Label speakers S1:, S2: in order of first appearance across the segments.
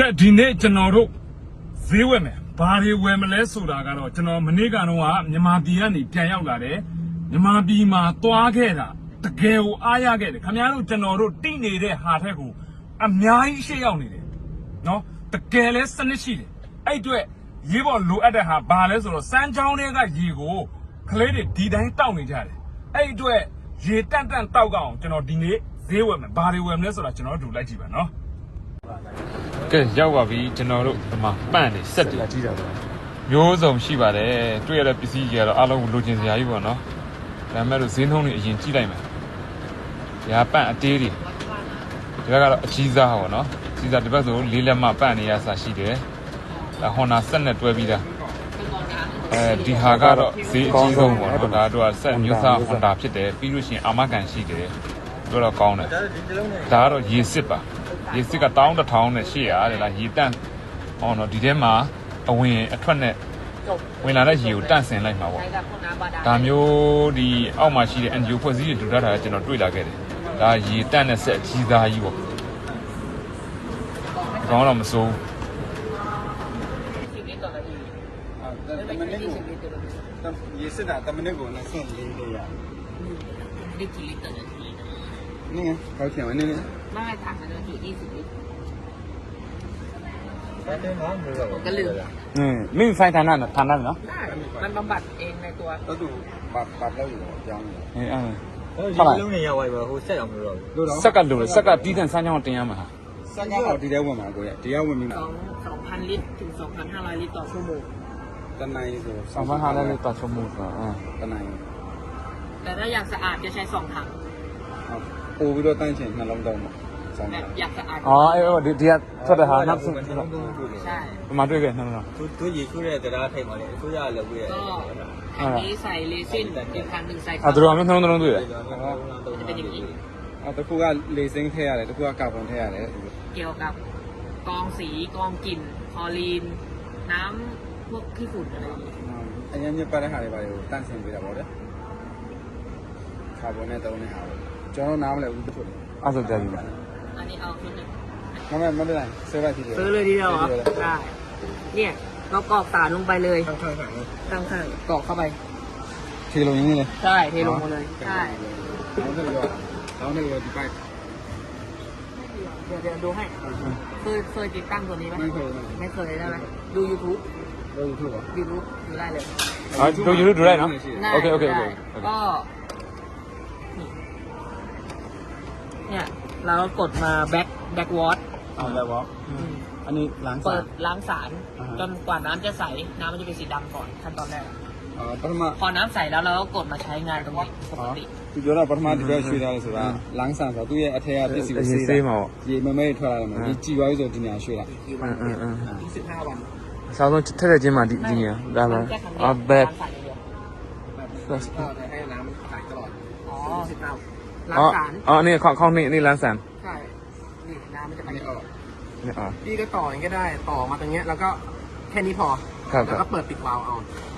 S1: ကဲဒီနေ့ကျွန်တော်တို့ဈေးဝယ်မယ်ဘာတွေဝယ်မလဲဆိုတာကတော့ကျွန်တော်မနေ့ကတော့မြန်မာပြည်ကနေပြန်ရောက်လာတယ်မြန်မာပြည်မှာသွားခဲ့တာတကယ်ကိုအားရခဲ့တယ်ခင်ဗျားတို့ကျွန်တော်တို့တိနေတဲ့ဟာထက်ကိုအများကြီးရှေ့ရောက်နေတယ်နော်တကယ်လဲစနစ်ရှိတယ်အဲ့အတွက်ရေးပေါ်လိုအပ်တဲ့ဟာဘာလဲဆိုတော့စမ်းချောင်းတွေကရေကိုကလေးတွေဒီတိုင်းတောက်နေကြတယ်အဲ့အတွက်ရေတန့်တောက်ကြအောင်ကျွန်တော်ဒီနေ့ဈေးဝယ်မယ်ဘာတွေဝယ်မလဲဆိုတာကျွန်တော်တို့လိုက်ကြည့်ပါနော်ကဲရောက်ပါပြီကျွန်တော်တို့ဒီမှာပန့်နေစက်တွေကြီးတာပေါ့မျိုးစုံရှိပါတယ်တွေ့ရတဲ့ပစ္စည်းကြီးကတော့အားလုံးလိုချင်စရာကြီးပေါ့နော်ဒါပေမဲ့လို့ဈေးနှုန်းတွေအရင်ကြည့်လိုက်မယ်။ညာပန့်အသေးတွေဒီဘက်ကတော့အကြီးစားပေါ့နော်။ကြီးစားဒီဘက်ဆို၄လက်မပန့်နေရစာရှိတယ်။ဒါဟွန်နာဆက်နဲ့တွဲပြီးသား။ဒီဟာကတော့ဈေးအကြီးဆုံးပေါ့နော်။ဒါတို့ကဆက်မျိုးစားဟွန်တာဖြစ်တယ်ပြီးလို့ရှိရင်အာမခံရှိတယ်။တို့တော့ကောင်းတယ်။ဒါကတော့ရေစစ်ပါ။ရေစစ်က1100နဲ့800တဲ့လားရေတန့်ဟောနော်ဒီထဲမှာအဝင်အထွက်နဲ့ဝင်လာတဲ့ရေကိုတန့်စင်လိုက်မှာပေါ့ဒါမျိုးဒီအောက်မှာရှိတဲ့ NGO ဖွဲ့စည်းတွေတူထားတာကျွန်တော်တွေ့လာခဲ့တယ်ဒါရေတန့်တဲ့ဆက်အကြီးသားကြီးပေါ့ကောင်းတော့မစိုး
S2: ရေစစ်တာတမနစ်ကိုနဲ့ဆင့်လေးလေးရนี่ไงเขาเขียนไว้นี่นี่
S3: ไม่ถามมันจะอยู่20 ลิตรก็ลืม
S1: ไม่มีไฟทานนั่นเนาะ
S3: ได้มันบำบัดเองในตัว
S2: ก็ดูปัดแล้วอยู่ยัง
S1: เท่าไหร่
S4: လုံးနေရဝိုင်ပါဟိုဆက်အောင်လို့တော့
S1: စက်ကလိုစက်ကတီးတဲ့ဆန်းချောင်းတင်ရမှာဟာ
S2: စက်ကတော့ဒီထဲဝင်မှာကိုရတရားဝင်ပြီမှာ
S3: 2,000 ลิตรถึง 2,500 ลิตรต่อชั่วโมง
S2: တနိုင်ဆို
S1: 2,500ลิตรต่อชั่วโมง
S2: တနိုင်
S3: แต่ถ้าอยากสะอาดจะใช้2 ถัง
S2: ပို့ပြီးတော့တန်းချင်နှလုံးတောင်းမှာဆောင်း
S3: แบบอยากสะอาด
S1: ဒီကထွက်တဲ့ဟာနောက်ဆုံး
S3: ใช่
S1: ဒီမှာတွေ့ခဲ့နှလုံး
S4: သူရေချိုးတဲ့တရားထိတ်ပါလေအစိုးရလည်းပြည့်
S3: ก็อันนี้ใส่เรซินอีกคันหนึ่งใส่
S1: သူတို့ကနှလုံးတွေ့တယ်
S3: จะเป็นอย่างนี้
S2: တခုကလေစင်းထည့်ရတယ်တခုကကာဗွန်ထည့်ရတယ်
S3: เกี่ยวกับกรองสีกรองกลิ่นคลอรีนน้ำพวกขี้ฝุ่นอะไรอย่างนี้
S2: အရင်ညပတ်တဲ့ဟာတွေပါကိုတန့်စင်ပေးတာပေါ့လေကာဗွန်နဲ့တုံးတဲ့ဟာကျွန်တော်နားမလဲဘူးတခု
S1: အဲ့ဆိုကြပြီ
S3: อันนี้เอาชุดหนึ่ง
S2: မမမလိုက်ဆေးလိုက်ทีเดียว
S3: ซื้อเลยทีเดียวเหรอได้เนี่ยเรากรอกสารลงไปเลย
S2: ข้างๆ
S3: ข้างๆกรอกเข้าไป
S2: ทีลงอย่างนี้เลย
S3: ใช่เทลงมาเลยใช่
S2: แล้วในรถไป
S3: เดี๋ยวดูให้เคยติดตั้งตัวนี้ไหม
S2: ไม่เคย
S3: ใช่ไหมดู YouTube
S2: เราถูกเหรอ
S3: YouTube ดูได้เลย
S1: ดูยูทูบดูได้เนาะ
S3: ได้
S1: โอเค
S3: ได้ก็เนี่ยเราก็กดมาแบ็กวอต
S2: แล้ววะอันนี้ล้างสา
S3: เปิ
S2: ร
S3: ดล้างสารจนกว่าน้ำจะใสน้ำมันจะเป็นสีดำก่อนขั้นตอนแรก
S2: ปฐม
S3: พอน้ำใสแล้วเราก็กดมาใช้งานตรงนี้ปกติ
S2: သူပြောတာပထမဒီဘက်ရွှေ့ထားလို့ဆိုတာလန်းဆန်ဆိုသူ့ရဲ့အထက်ကပစ္စည်းကိုဆေးမှာရေမမဲထွက်လာတယ်မှာဒီကြည်သွားပြီဆိုဒီညာရွှေ့လာ
S3: 15 วัน
S1: စားဆုံးထက်တဲ့ချင်းမှာဒီနေရာဒါမှဘက်
S2: ให้น้ำมันใสตลอด
S3: อ๋อล้างสาร
S1: นี่เข้านี่ร้านแสน
S3: ใช่นี่น้ำมันจะไป
S2: อันนี้ออก
S1: นี่
S5: พี่ก็ต่ออย่างนี้ก็ได้ต่อมาตรงเนี้ยแล้วก็แค่นี้พอ
S1: ครับ
S5: แล้วก็เปิดปิดวาล์วเอา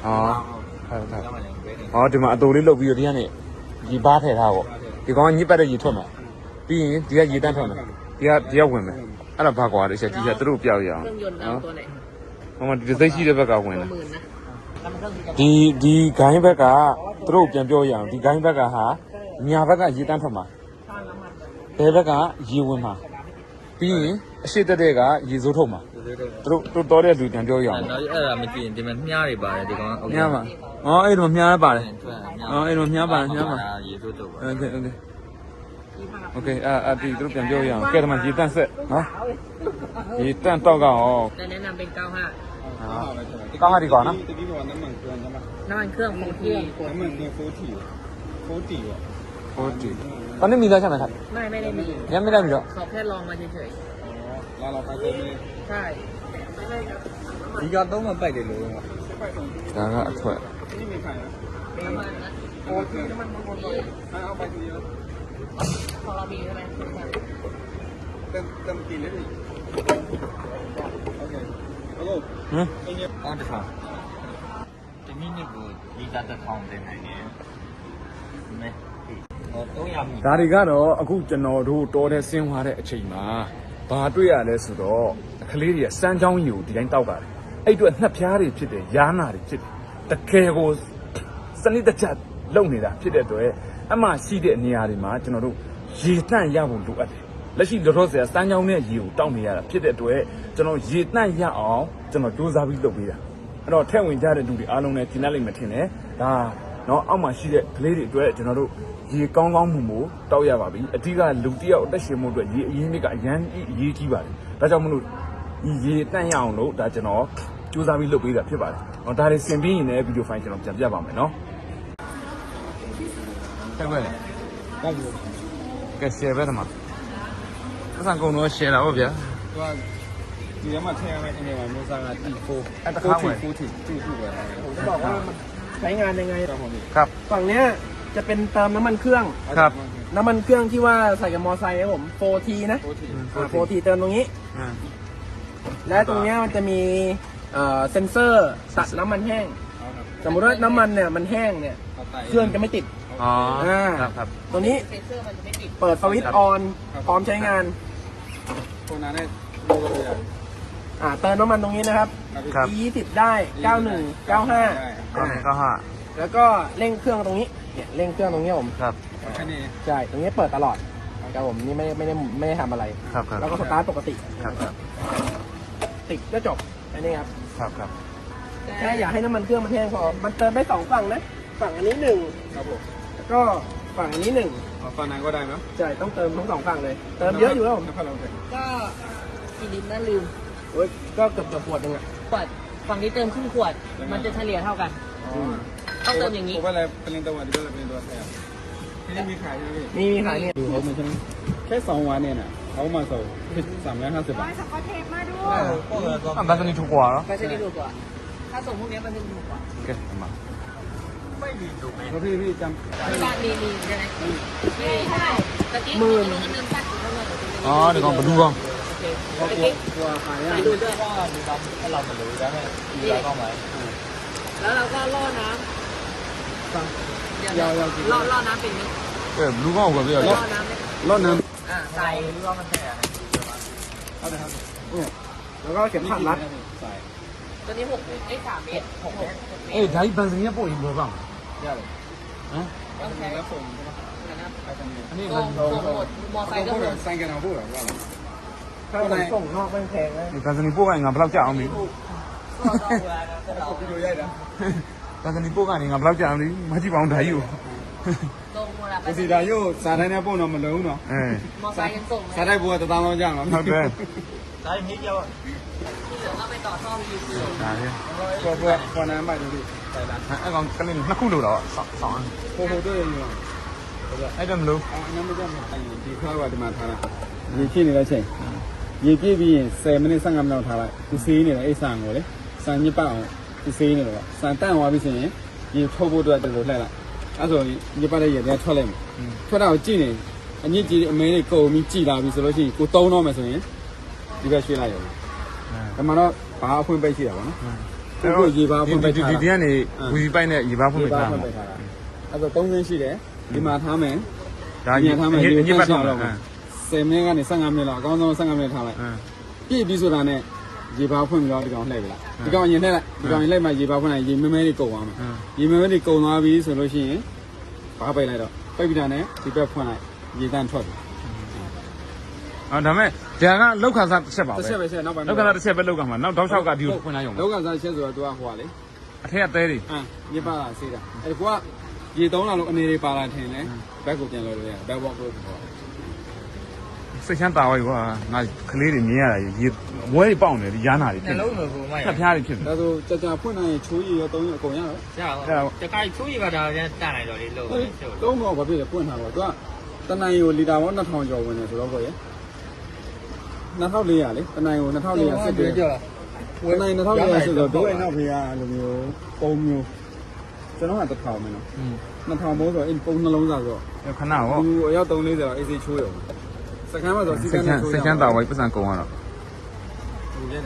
S1: ครับဒီမှာအတူလေးလုတ်ပြီးတော့ဒီကနေရေဘားထည့်ထားပေါ့ဒီကောင်ကညစ်ပတ်တဲ့ရေထွက်မှာပြီးရင်ဒီကရေတန်းထွက်မှာဒီကဝင်မယ်အဲ့ဒါဘာကွာလဲချက်ကြီးကသူတို့ပြောက်ရအောင်
S3: เครื่องยนต์เราตัวไหน
S1: ဟိုမှာဒီသိရှိတဲ့ဘက်ကဝင်
S3: ตัว
S1: တယ်
S3: หมื่นนะแล้วมันเครื่อง
S1: ဒီဂိုင်းဘက်ကသူတို့ပြန်ပြောရအောင်ဒီဂိုင်းဘက်ကဟာညာဘက်ကရေတန်းထွက်မှာဘယ်ဘက်ကရေဝင်မှာပြီးရင်အရှိတက်တဲ့ကရေစိုးထုတ်မှာသူတို့တော်တဲ့လူပြန်ပြောရအောင်
S4: နောက်အဲ့ဒါမကြည့်ရင်ဒီမှာမြားတွေပါတယ်ဒီကောင်
S1: မြားပါအဲ့တော့မြားပါတယ်အဲ့တော့မြားပါမြားပါ
S4: ရေဆိုးတော့ပါ
S1: โอเคဒီသူတို့ပြန်ပြောရအောင်ကဲဒီမှာရေတန့်ဆက်နော်ရေတန့်တော့ကောင်
S3: แต่แนะนำเป็น 95
S1: ကောင်းပါဒီကွာနော်
S2: ตะกี้บอกน้ำมันเครื่องใช่ไหม
S3: น้ำมันเครื่องโฟที่
S2: น้ำมันเครื่อง40อ่ะ
S1: ဟုတ်တယ်ตอนนี้มีแล้วใช่ไหมครับ
S3: ไม่ได้มี
S1: ยังไม่ได้มีหรอ
S3: เขาแค่ลองมาเฉย
S2: แล้วเราไปเติมเลย
S3: ๆใช่
S4: ဒီကတော့မပိုက်တယ်လို့
S1: ဒါကအထွက်
S2: นี่มีใครนะ
S3: น้ำมันนะ
S2: โอ้คือน้ำมันบนเอาไปทีเดียว
S3: ของเรามีใช่ไหม
S2: เติมกินเลยดิโอเคฮัลโหล
S1: ဟမ်
S4: အော်တစ်ခါဒီမိနစ်ကိုဒီကတစ်ထောင်တင်နိုင်တယ်မဲဟော300မိ
S1: ဒါတွေကတော့အခုကျွန်တော်တို့တော်တဲ့ဆင်းသွားတဲ့အချိန်မှာဘာတွေ့ရလဲဆိုတော့ကလေးတွေကစမ်းချောင်းကြီးကိုဒီတိုင်းတောက်ကြတယ်အဲ့အတွက်နှက်ဖျားတွေဖြစ်တယ်ရားနာတွေဖြစ်တယ်တကယ်ကိုစနစ်တကျလုပ်နေတာဖြစ်တဲ့အတွက်အမှရှိတဲ့နေရာတွေမှာကျွန်တော်တို့ရေတန့်ရဖို့လိုအပ်တယ်လက်ရှိလောလောဆယ်စမ်းချောင်းနဲ့ရေကိုတောက်နေရတာဖြစ်တဲ့အတွက်ကျွန်တော်ရေတန့်ရအောင်ကျွန်တော်စူးစမ်းပြီးလုပ်ပေးတာအဲ့တော့ထည့်ဝင်ကြတဲ့လူတွေအားလုံးလည်းကျင်းလိုက်မှထင်တယ်ဒါနော်အောက်မှာရှိတဲ့ကလေးတွေအတွက်ကျွန်တော်တို့ရေကောင်းကောင်းမှုတောက်ရပါပြီအဓိကလူတစ်ယောက်အသက်ရှင်မှုအတွက်ရေအရင်းမြစ်ကအရန်အရေးကြီးပါတယ်ဒါကြောင့်မလို့ဒီရေတန့်ရအောင်လို့ဒါကျွန်တော်စူးစမ်းပြီးလုပ်ပေးတာဖြစ်ပါတယ်။ဒါတွေဆင်ပြီးရင်လည်းဗီဒီယိုဖိုင်ကျွန်တော်ပြန်ပြပါမယ်နော်။ဆက်ပဲ။ကဲ share ပဲတမ။အဆန်ကုန်တော့ share တာဟုတ်ဗျာ
S2: သူကဒီထဲမှာထည့်ရမယ့်အနေမှာမျိုးစားက T4
S1: အဲ့တခါဝင်
S2: 40တူတူပဲ
S5: ผมจะบอกว่ามันใช้งานยังไง
S2: ครับผม
S1: ။ครับ
S5: ฝั่งเนี้ยจะเป็นเติมน้ำมันเครื่อง
S1: ครับ
S5: น้ำมันเครื่องที่ว่าใส่กับมอไซค์ครับผม 4T นะ 4T เติมตรงนี้
S1: อ่า
S5: และตรงเนี้ยมันจะมีเซ็นเซอร์ตัดน้ำมันแห้ง สมมติว่าน้ำมันเนี่ยมันแห้งเนี่ยเครื่องจะไม่ติด
S1: อ๋อครับครับ
S5: ตัวนี้
S3: เซนเซอร์มันจะไม่ติด
S5: เปิดสวิตช์ออนพร้อมใช้งาน
S2: พวกนั้นเนี่ยดูกันเลย
S5: เติมน้ำมันตรงนี้นะครับ
S1: ครับ
S5: E20 ได้ 91 95
S1: ก็ห้า
S5: แล้วก็เร่งเครื่องตรงนี้เนี่ยเร่งเครื่องตรงนี้ผม
S1: ครับ
S2: แค่นี้
S5: ใช่ตรงนี้เปิดตลอดครับผมนี่ไม่ได้ทำอะไร
S1: ครับครับ
S5: แล้วก็สตาร์ทปกติ
S1: ครับครับ
S5: ติดก็จบอันนี้ครับ
S1: ครับครับ
S5: แค่อยากให้น้ำมันเครื่องมันแห้งพอมันเติมได้สองฝั่งนะฝั่งอันนี้หนึ่ง
S2: ครับผม
S5: แล้วก็ฝั่งอันนี้หนึ่ง
S2: ฝั่งนั้นก็ได้ไหม
S5: ใช่ต้องเติมทั้งสองฝั่งเลย เติมเยอะอยู่แล้วผม
S2: น้ำพัดลมเสร็จ
S3: ก็กี่ลิตรนะลืม
S5: โอ้ยก็เกือบขวดหนึงอ่ะ
S3: ขวดฝั่งนี้เติมครึ่งขวด มันจะเฉลี่ยเท่ากัน ต้องเติมอย่างนี้
S2: ผมว่าอะไรเป็นตัวดีก็เป็นตัวแทนที่นี่มีขายใช่ไหมพี่
S5: มีขายเนี่ย
S2: ดูเขาไม่ใช่แค่2 วันเนี่ยนะเขามาส่ง350 บาท
S1: อ่ะแบตเตอรี่ถูกกว่าเหรอ
S3: ก็จะได้ถูกกว่า ถ้าส่งพวกนี้มันจะถูกกว่า
S1: โอเคมา
S2: แล้วพี่จำ
S3: ที่บ้านมีใช่ไหมมีเท่าไหร่ตะกี้ลืมตัดอยู่เท่าไหร่
S1: อ๋อเดี๋ยวก่อนมาดูก่อน
S3: โอเคตะกี้
S2: กลัวขาย
S3: ไป
S2: อ่ะ
S3: ดูด้วย
S4: ถ้าเราไม่รู้ได้ไหมมีอะไรบ้างไหม
S3: แล้วเราก็ล่อน้ำเดี๋ยวล่อน้ำเป็นไหม
S1: เออรู้ก่อนว่าเดี๋ยว
S3: ล่อน้ำไหม
S2: รถน้
S3: ใส่
S4: รู้ว่ามันแค่อะไร
S2: ำเอาเลยครับ
S5: เนี่ยแล้วก็เข็มขัดรัด
S2: ใส่
S3: ตัวนี้3 เมตร6 เมตร
S1: เอ้ยဒါကြီးဘန်စင်ရဲ့ပို့ရင်ဘယ်ပါ့မ
S2: ได้เลย
S1: လဲဟမ်
S2: ต้องใช้แล้วส่งใช่ไหม
S3: นะครับ
S2: ไปทางนี้
S1: อันนี้
S3: ส่งหมดมอไซค์ก็หมด
S2: ใส่กันเอาพูดหรอว่า
S5: ถ้าผมส่งนอกไม่แพงนะ
S1: ဒီဘန်စင်ပို့ကငါဘယ်လောက်ကြာအောင်ပြီ
S2: พี่ดูใหญ่นะ
S1: ဘန်စင်ပို့ကနေငါဘယ်လောက်ကြာအောင်ပြီမကြည့်ပါအောင်ဒါကြီးကို
S3: ส่งหมดอะ
S2: ပစီတာရုပ်စားတိုင်းနဲ့ပို့တော့မလုံးတော့
S1: အဲ
S3: มอไซค์ยังส่ง
S2: စားတိုင်းဘိုးက1000လောက်ကြာမှာ
S1: ဟုတ်တယ်
S4: ได้นิดเดียว
S3: ที่เหลือก็ไปต่อท่อ PVC
S1: ဒါလေ
S2: ပေါ်နံပါတ်တို့ใส่ละ
S1: အဲ့ကောင်ကလေးနှစ်ခုလို့တော့ဆောင်း
S2: ဟိုတို့ရေရော
S1: အဲ့ဒါမလို့
S2: အော်နံပါတ်ကဒီခါကဒီမှာထားတာရေဖြစ်နေတဲ့ချိန်ရေပြည့်ပြီးရင်10မိနစ်15မိနစ်ထားလိုက်သူစေးနေတယ်အဲ့ဆန်ကိုလေဆန်ညစ်ပအောင်သူစေးနေတော့ဆန်တန့်သွားပြီဆိုရင်ရေထုတ်ဖို့အတွက်တော်တော်လှည့်လိုက်အဲ့ဆိုရင်ညစ်ပတဲ့ရေတွေထွက်လိုက်မယ်ထွက်တာကိုကြည့်နေအညစ်ကြီးအမဲတွေကုန်ပြီးကြည်လာပြီဆိုလို့ရှိရင်ကိုတုံးတော့မယ်ဆိုရင်ဒီဘက်ရွှေ့လိုက်ရုံဒါမှတော့ဘာအဖွင့်ပိတ်ရှိတာပေါ့နော်ကိုရေဘာအဖွင့်ပိတ်ထား
S1: ဒီကနေဝီပိုက်နဲ့ရေဘာဖွင့်ပေးထား
S2: အဲ့တော့3ဆင်းရှိတယ်ဒီမှာထားမယ်
S1: ဒါညစ်ပတ်တော့မယ်
S2: 10မိနစ်ကနေ15မိနစ်လောက်အကောင်းဆုံး15မိနစ်ထားလိုက်ပြည့်ပြီဆိုတာနဲ့ရေဘာဖွင့်ပြီးတော့ဒီကောင်လှည့်ပြီလားဒီကောင်ရင်လှည့်လိုက်ဒီကောင်ရင်လှည့်မှရေဘာဖွင့်လိုက်ရေမဲမဲတွေကုန်သွားမယ်ရေမဲမဲတွေကုန်သွားပြီဆိုလို့ရှိရင်ဘာပိတ်လိုက်တော့ပိတ်ပြီးတာနဲ့ဒီဘက်ဖွင့်လိုက်ရေတန်းထွက်ပြီ
S1: အော်ဒါမဲ့ဒါကလောက်ခါစားတစ်ချက်ပါပဲ
S2: တစ်ချက်ပဲဆက်နောက်ပိုင်း
S1: လောက်ကစားတစ်ချက်ပဲလောက်ကမှာနောက်တောက်လျှောက်ကဒီကိုဖွင့်လိုက်ရုံပဲ
S2: လောက်ကစားချက်ဆိုတော့ तू ကဟိုကလေ
S1: အထက်ကသေးတွေ
S2: ညစ်ပါတာစေးတာအဲ့ကွာရေ3လောက်အနေတွေပါလာထင်လဲဘက်ကိုပြန်လို့ရတယ်ဘက်ဘောက်ကိုပေါ့
S1: စိတ်ချမ်းသာဝိုင်းကွာငါကလေးတွေမြင်ရတာရေဝဲတွေပေါက်နေတယ်ဒီရားနာတွေဖြစ်
S4: နှ
S1: နေ
S4: လုံးလိုကိုမိုက်
S1: ဖြတ်ဖျားတွေဖြစ်နေ
S2: ဒါဆိုကြာဖွင့်နိုင်ရင်ချိုးရီရော3ရောအကုန်ရတော့
S4: ကြာတော့တခါချိုးရပါတာတန်လိုက်တော့လေလို့ရှုပ်
S2: 3တော့ဘာဖြစ်လဲပွင့်ထားတော့ तू ကတနင်္ဂနွေလီတာပေါင်း2000ကျော်ဝင်တယ်ဆိုတော့ကိုရ2400လေတနင်္ဂနွေ2400စစ်တယ်တနင်္ဂနွေ2400စစ်တော့တို့ရဲ့နောက်ဖေးကလိုမျိုးပုံမျိုးကျွန်တော်က1000မယ်နော်2000ဘိုးဆိုရင်ပုံနှလုံးစားဆိုတော့
S1: ခဏဟော
S2: သူအယောက်340တော့ AC ချိုးရုံစကမ်းမှာဆိုစီကမ်းနဲ့ချိုး
S1: စိတ်ချမ်းသာဝိုင်းပတ်စံကုန်ရတော့
S2: ဒီရဲတာ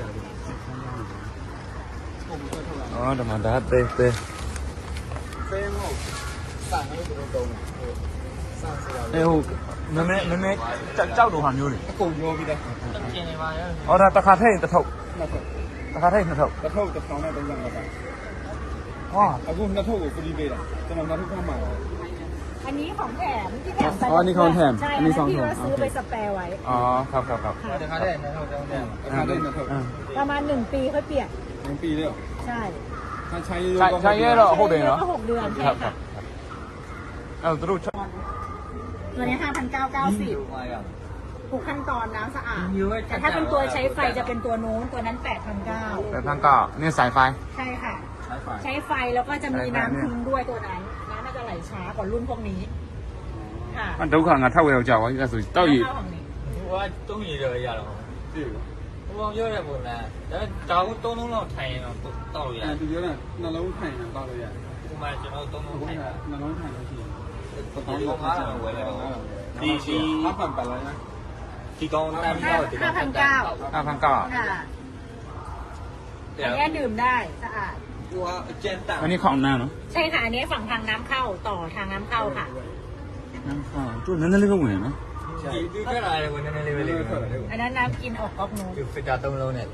S1: အော်ဒါမှဒါတဲတဲ
S2: ဖဲမဟုတ်စံလို့တို့တုံးတယ်စံ
S1: အေးဟိုနည်းနည်းကြောက်တော့ဟာမျိုးတွေ
S2: အကုန်ရောပြီးသား
S4: ကျင်နေပါရဲ့
S1: ဟောဒါတစ်ခါထည့်ရင်တစ်ထုပ်
S2: နှစ်ထုပ်
S1: တစ်ခါထည့်ရင်နှစ်ထုပ်
S2: တစ်ထုပ်တစ်ထောင်နဲ့35ပါ
S1: ဟာ
S2: အခုနှစ်ထုပ်ကိုဖရီးပေးတာကျွန်တော်နှစ်ထုပ်ခန့်မှာ
S6: อันนี้ของแถมที่แถมไป
S2: อ๋ออันนี้ของแถม
S6: ใช่
S2: อันนี้ของ
S6: ที่
S2: แถม
S6: ว่าซื้อไปสแปร์ไว้
S1: อ๋อครับ
S4: တခါတည်းနဲ့ဟုတ်တယ်
S2: ราคาได้နှစ်ထုပ်
S6: ประมาณ1 ปีค่อยเปลี่ยน
S2: 1ปีแล้ว
S6: ใช่
S2: ถ้าใช้
S1: ใช้เยอะတော့ဟုတ်တယ်နော်
S6: ก็6 เดือน
S1: ค
S6: ใช่
S1: รับครั
S6: ค่ะ
S1: บအဲ့တော့တို့
S6: ตัวนี้ 5,990
S4: မာရ
S6: ทุกขั้นตอนน้ำสะอาดแต่ถ้าเป็นตัวใช้ไฟจะเป็นตัวโน้นตัวนั้น 8,900
S1: แต่ทั้งก็เนี่ยสายไฟ
S6: ใช่ค่ะ ใช้ไฟแล้วก็จะมีน้ำทิ้งด้วยตัวนั้นน้ำน่าจะไหลช้ากว่ารุ่นพวกนี้ค่ะ
S1: ဒုက္ခငါထောက်ဝဲရောက်ကြပါအဲ့ဆိုတောက်ရည်
S6: เท่าของนี้
S4: ဟိုကတုံးရည်တော့ရတော့ပြီဟိုပြောတဲ့ပုံလားဒါကတုံးလုံးထိုင်ရင်တော့တောက်ရ
S2: သူပြောတာနှလုံးထိုင်တာတောက်လို့ရတယ်
S4: ဟိုမှာကျွန်တော်တုံးလုံးထိုင်တာ
S2: နှလုံးထိုင်လို့ရှိရင်
S4: ဒီကောင်ကားတော့ဝယ်လိုက်တော့ဒီ
S2: အပန်ပါလား
S4: ဒီကောင်တမ်းတော့ဒီကောင်တမ်း
S1: 5,900
S6: ค่ะอันนี้ดื่มได้สะอาด
S4: ဟိုကအကျဉ်းတမ်း
S1: อันนี้ของน้ำเนาะ
S6: ใช่ค่ะ อันนี้ฝั่งทางน้ำเข้าต่อทางน้ำเข้าค่ะ
S1: น้ำข้าวตัวนั้นเลยก็เหมือนเนาะ
S4: ဒီကလာတယ်ကိုနည်းနည်းလေးပဲလေး
S6: อันนั้นน้ำกินออกก๊อกนู้น
S4: ဒီဖစ်တာတုံးလုံးနဲ့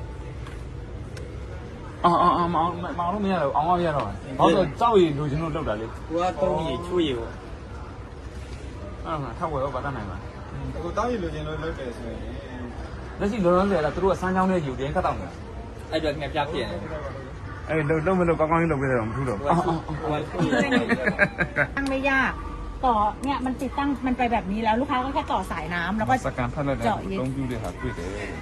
S1: อ๋อမောင်လို့မရတော့အောင်အောင်ရတော့ဘာလို့ကြောက်ရည်လူချင်းတို့လောက်တာလေ
S4: ဟိုကတုံးရည်ချွေးရည်ပေါ့
S1: အဲ့ဒါထောက်ဝဲတော့ဗတ်တနိုင်ပါ
S2: အခုတောက်ရည်လိုချင်လို့လုပ်တယ်ဆိုရင်
S1: လက်ရှိလုံးလုံးလေလားသူတို့ကစမ်းချောင်းနဲ့ယူတယ်ခတ်တော့နေတာ
S4: အဲ့တော့ငါပြပြည့်တယ်
S1: အဲ့လုံးမလို့ကောင်းကောင်းလေးလုပ်ပေးတယ်တော့မထူးတော့
S4: ဟိုကချွေးရည်
S6: ตั้งไม่ยากต่อเนี่ยมันติดตั้งมันไปแบบนี้แล้วลูกค้าก็แค่ต่อสายน้ำแล้วก็
S1: စကန်ဖတ်လိုက်တော့တုံးပြတဲ့ဟာတွေ့တယ်အဲ့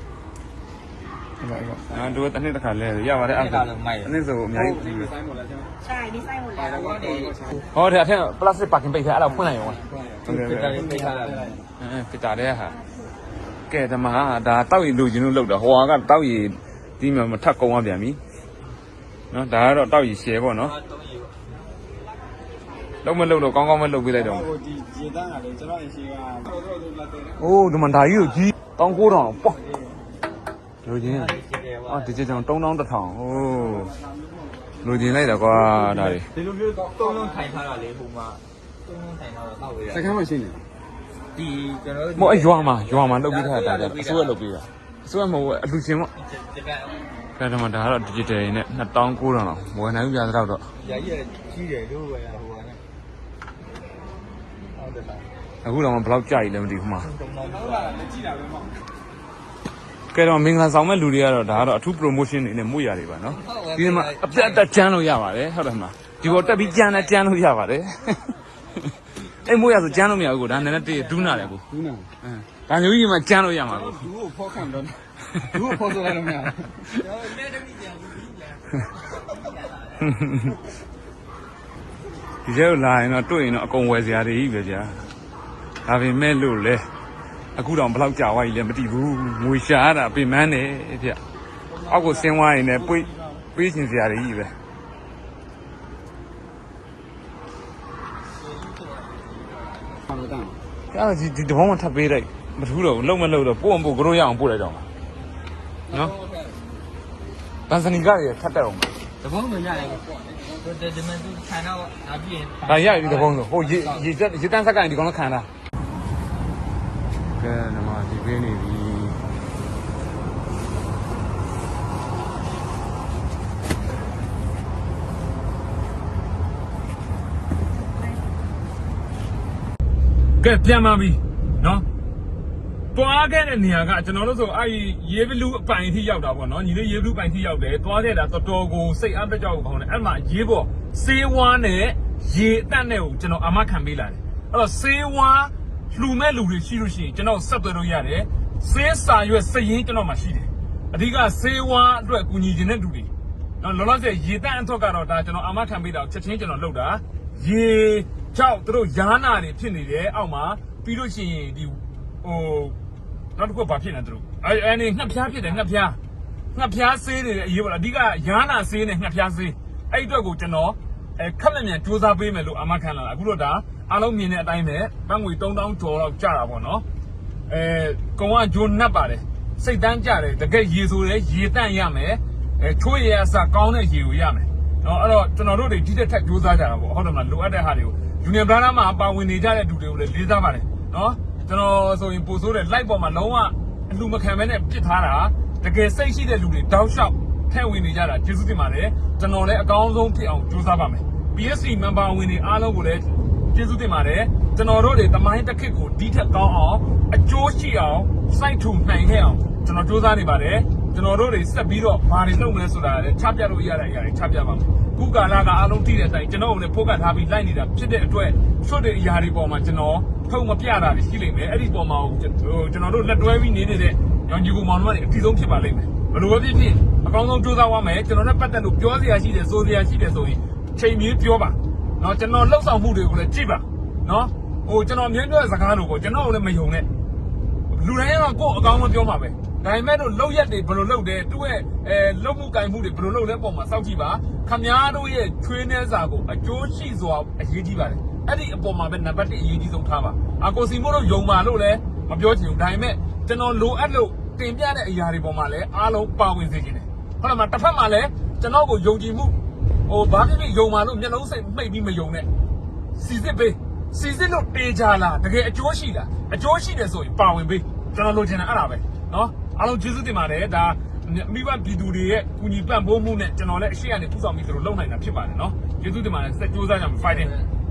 S1: တို့တနေ့တစ်ခါလဲရပါတယ်အဲ့ဒါအနည်းဆိုအများကြီး
S2: ဆိုင်หมดแล้วใช่ไหม
S6: ใช่นี่ไส้หมดแล้ว
S1: ဟောတဲ့အထက်ပလတ်စတစ်ပါကင်ပိတ်ထားအဲ့ဒါဖွင့်လိုက်ရော
S4: ဖစ်တာလေးပိတ်ထားတာ
S1: ဖိတာတဲ့ဟာကဲဓမ္မဒါတောက်ရည်လူချင်းလို့လောက်တာဟိုကတောက်ရည်ဒီမှာမထပ်ကုန်းသွားပြန်ပြီနော်ဒါကတော့တောက်ရည်ရှယ်ပေါ့နော်
S4: တုံးရည်ပေါ့
S1: လုံးမလုံးတော့ကောင်းကောင်းမလုပ်ပေးလိုက်တော့
S2: ဟိုဒီရေတန်းကလေကျွန်တော်အရှိကတို့လာတယ်
S1: အိုးဒီမှာဒါကြီးကိုကြီး1900ပေါ့လူချင်း
S4: ရှိတယ်ပေါ့
S1: အော်ဒီကြောင်3000 1000ဟိုးလူချင်းလိုက်တာကွာဒါတွေ
S4: ဒီလိုမျိုးတုံးလုံးထိုင်ထားတာလေဟိုမှာတုံးလုံးထိုင်ထားတော့တောက်ရ
S2: စကမ်းမရှိနေ
S4: ဒီကျွန်တော်
S1: မဟုတ်အရွာမှာလုပ်ပေးထားတာဒါအစိုးရလုပ်ပေးတာအစိုးရမဟုတ်အလူချင်းပေါ့
S4: ဒီက
S1: ကဲဒါမှဒါကတော့ digital နဲ့2900လောက်ဝယ်နိုင်ပြသတော့
S4: ရာကြီးကြီးတယ်လို့ပဲဟိုကနဲ့ဟုတ်တယ်လား
S1: အခုတော့ဘယ်လောက်ကြာပြီလဲမသိဘူးမှာ
S4: တုံးလုံး
S2: ဟုတ်လားလက်ကြည့်တာပဲမဟုတ်
S1: ကဲတော့မင်္ဂလာဆောင်မဲ့လူတွေကတော့ဒါကတော့အထူး promotion တွေနဲ့မှုရတွေပါနော်ဒီမှာအပြတ်အသက်ကျန်းလို့ရပါတယ်ဟုတ်တယ်မလားဒီပေါ်တက်ပြီးကျန်းလို့ရပါတယ်အဲ့မှုရဆိုကျန်းလို့မရဘူးကိုဒါနည်းနည်းတည်းဒူးနာတယ်ကို
S2: ဘူးနာ
S1: ဒါမျိုးကြီးမှကျန်းလို့ရမှာကို
S2: သူ့ကိုဖောက်ခံတော့သူ့ကိုဖောက်ဆိုလိုက်တော့မရ
S1: ဒီကျတော့လာရင်တော့တွေ့ရင်တော့အကုန်ဝယ်စရာတွေကြီးပဲကြာဒါပေမဲ့လို့လေအခုတော့ဘယ်လောက်ကြာသွားပြီလဲမသိဘူးငွေရှာရတာပြင်မန်းတယ်ဗျအောက်ကိုဆင်းသွားရင်လည်းပေးချင်စရာတွေကြီးပဲ
S2: ဘာလို့တန်း
S1: အဲ့ဒါဒီတဘောမှထပ်ပေးလိုက်မထူးတော့ဘူးလုံးမလုံးတော့ပို့အောင်ပို့ကြောရအောင်ပို့လိုက်တော့မှာနော်ဗန်စနီကတွေထပ်တက်အောင်
S4: တဘုံတော့ရတယ်ကိုဒီမှာသူထိုင်တော့အပြည့်
S1: ဒါရပြီတဘောဆိုဟိုရေတန်းဆက်ကရင်ဒီကောင်လည်းခံတာကဲနမဒီပေးနေပြီကဲပြန်ပါပြီနော်တွားခဲ့တဲ့နေရာကကျွန်တော်တို့ဆိုအဲ့ရေဘလူးအပိုင်ထိရောက်တာပေါ့နော်ညီလေးရေဘလူးပိုင်ထိရောက်တယ်တွားခဲ့တာတော်တော်ကိုစိတ်အားတက်ကြောက်ကောင်းတယ်အဲ့မှာရေပေါ်ဆေးဝါးနဲ့ရေအတန့်နဲ့ကိုကျွန်တော်အာမခံပေးလာတယ်အဲ့တော့ဆေးဝါးလှူမဲ့လူတွေရှိလို့ရှိရင်ကျွန်တော်ဆက်သွယ်လို့ရတယ်ဆေးစာရွက်စရင်ကျွန်တော်မှရှိတယ်အဓိကဆေးဝါးအတွက်ကူညီခြင်းတဲ့လူတွေနော်လောလောဆယ်ရေတန့်အထွက်ကတော့ဒါကျွန်တော်အာမခံပေးတာချက်ချင်းကျွန်တော်လုပ်တာရေကြောက်တို့ယားနာတွေဖြစ်နေတယ်အောက်မှာပြီးလို့ရှိရင်ဒီဟိုနောက်တစ်ခုဘာဖြစ်နေတို့အဲ့နေငှက်ဖျားဖြစ်တယ်ငှက်ဖျားဆေးတွေအရေးပါလားအဓိကယားနာဆေးနဲ့ငှက်ဖျားဆေးအဲ့အတွက်ကိုကျွန်တော်ခက်လက်မြန်စူးစမ်းပေးမယ်လို့အာမခံလာတာအခုတော့ဒါအားလုံးမြင်တဲ့အတိုင်းပဲဘတ်ငွေ3000ကျော်လောက်ကျတာပေါ့နော်ကုံကဂျိုနတ်ပါတယ်စိတ်တန်းကျတယ်တကယ်ရေဆိုလဲရေတန့်ရမယ်ချိုးရအစကောင်းတဲ့ရေကိုရမယ်နော်အဲ့တော့ကျွန်တော်တို့တွေဒီတက်ထက်စူးစမ်းကြတာပေါ့ဟုတ်တယ်မလားလိုအပ်တဲ့ဟာတွေကို Junior Brother မှာပါဝင်နေကြတဲ့လူတွေကိုလည်းလေးစားပါတယ်နော်ကျွန်တော်ဆိုရင်ပို့ဆိုးတဲ့ live ပေါ်မှာလုံးဝအလူမခံမဲနဲ့ပြစ်ထားတာတကယ်စိတ်ရှိတဲ့လူတွေတောက်လျှောက်ထဲဝင်နေကြတာကျေးဇူးတင်ပါတယ်ကျွန်တော်လည်းအကောင်းဆုံးဖြစ်အောင်ကြိုးစားပါမယ် PSC member ဝင်တွေအားလုံးကိုလည်းကျေးဇူးတင်ပါတယ်ကျွန်တော်တို့တွေတမိုင်းတစ်ခေတ်ကိုဒီထက်ကောင်းအောင်အကျိုးရှိအောင်စိုက်ထူနိုင်ခဲ့အောင်ကျွန်တော်ကြိုးစားနေပါတယ်ကျွန်တော်တို့တွေဆက်ပြီးတော့ဘာတွေလုပ်မလဲဆိုတာလည်းချပြလို့ရတဲ့အရာတွေချပြပါမယ်ခုကာလကအားလုံးတည်တဲ့အတိုင်းကျွန်တော်တို့လည်းဖိုးကတ်ထားပြီးလိုက်နေတာဖြစ်တဲ့အတွက်ဆွတ်တဲ့အရာတွေပေါ်မှာကျွန်တော်ထုတ်မပြတာတွေရှိလိမ့်မယ်အဲ့ဒီပေါ်မှာကျွန်တော်တို့လက်တွဲပြီးနေတဲ့ရောင်ကြီးကူမောင်တို့ကအတီးဆုံးဖြစ်ပါလိမ့်မယ်ဘယ်လိုပဲဖြစ်ဖြစ်အကောင်းဆုံးကြိုးစားသွားမယ်ကျွန်တော်နဲ့ပတ်သက်လို့ပြောစရာရှိတယ်ဆိုစရာရှိတယ်ဆိုရင်ချိန်မြေးပြောပါနော်ကျွန်တော်လှုပ်ဆောင်မှုတွေကိုလည်းကြည့်ပါနော်ကျွန်တော်မြင်တဲ့စကားလို့ပေါ့ကျွန်တော်လည်းမယုံနဲ့လူတိုင်းကကိုယ့်အကောင်းဆုံးပြောမှာပဲဒါပေမဲ့တို့လှုပ်ရက်တွေဘယ်လိုလှုပ်တယ်သူ့ရဲ့လှုပ်မှုကင်မှုတွေဘယ်လိုလှုပ်လဲပုံမှာစောင့်ကြည့်ပါခမားတို့ရဲ့ချွေးနှဲစာကိုအကျိုးရှိစွာအရေးကြီးပါတယ်အဲ့ဒီအပေါ်မှာပဲနံပါတ်1အရေးကြီးဆုံးထားပါအကိုစီမို့တို့ယုံပါလို့လည်းမပြောချင်ဘူးဒါပေမဲ့ကျွန်တော်လိုအပ်လို့တင်ပြတဲ့အရာတွေပေါ်မှာလည်းအားလုံးပါဝင်စေချင်တယ်ဟုတ်လားမတစ်ဖက်မှာလည်းကျွန်တော်ကိုယုံကြည်မှုဘာဖြစ်ဖြစ်ယုံပါလို့မျက်လုံးစိတ်မှိတ်ပြီးမယုံနဲ့စီစစ်ပေးစီစစ်လို့တေးကြလားတကယ်အကျိုးရှိလားအကျိုးရှိတယ်ဆိုရင်ပါဝင်ပေးကျွန်တော်လိုချင်တာအဲ့ဒါပဲနော်အားလုံးကျေးဇူးတင်ပါတယ်ဒါမိဘပြည်သူတွေရဲ့ကူညီပံ့ပိုးမှုနဲ့ကျွန်တော်လည်းအရှိရနေပူဆောင်ပြီးသူတို့လုပ်နိုင်တာဖြစ်ပါတယ်နော်ကျေးဇူးတင်ပါတယ်စက်ကြိုးစားကြမယ် fighting